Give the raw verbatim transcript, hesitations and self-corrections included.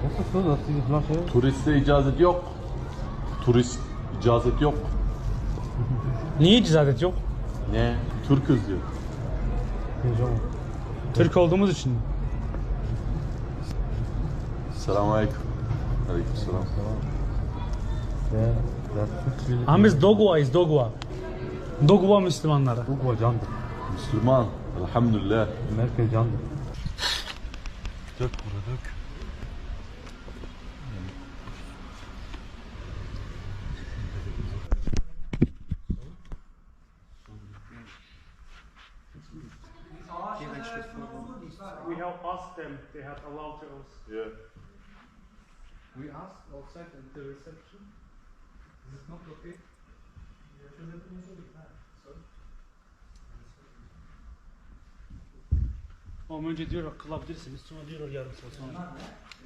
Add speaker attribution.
Speaker 1: Nasıl nasıl nasıl?
Speaker 2: Turiste icazet yok. Turist icazet yok.
Speaker 3: Niye icazet yok?
Speaker 2: Ne? Türküz diyor.
Speaker 1: Heyecan.
Speaker 3: Türk olduğumuz için.
Speaker 2: Selamun aleyküm. Aleyküm selam.
Speaker 1: Ve ve Türk milleti.
Speaker 3: Ama biz Dogwa'yız, Dogwa. Dogwa Müslümanları.
Speaker 1: Bu kocandır.
Speaker 2: Müslüman. Elhamdülillah.
Speaker 1: Merkel candır.
Speaker 2: Dök burada dök.
Speaker 3: We have asked them, they have allowed to us.
Speaker 2: Yeah.
Speaker 4: We asked outside at the reception. Is it not okay?
Speaker 3: Ama önce diyorlar kılabilirsiniz, sonra diyorlar yarım saat sonra.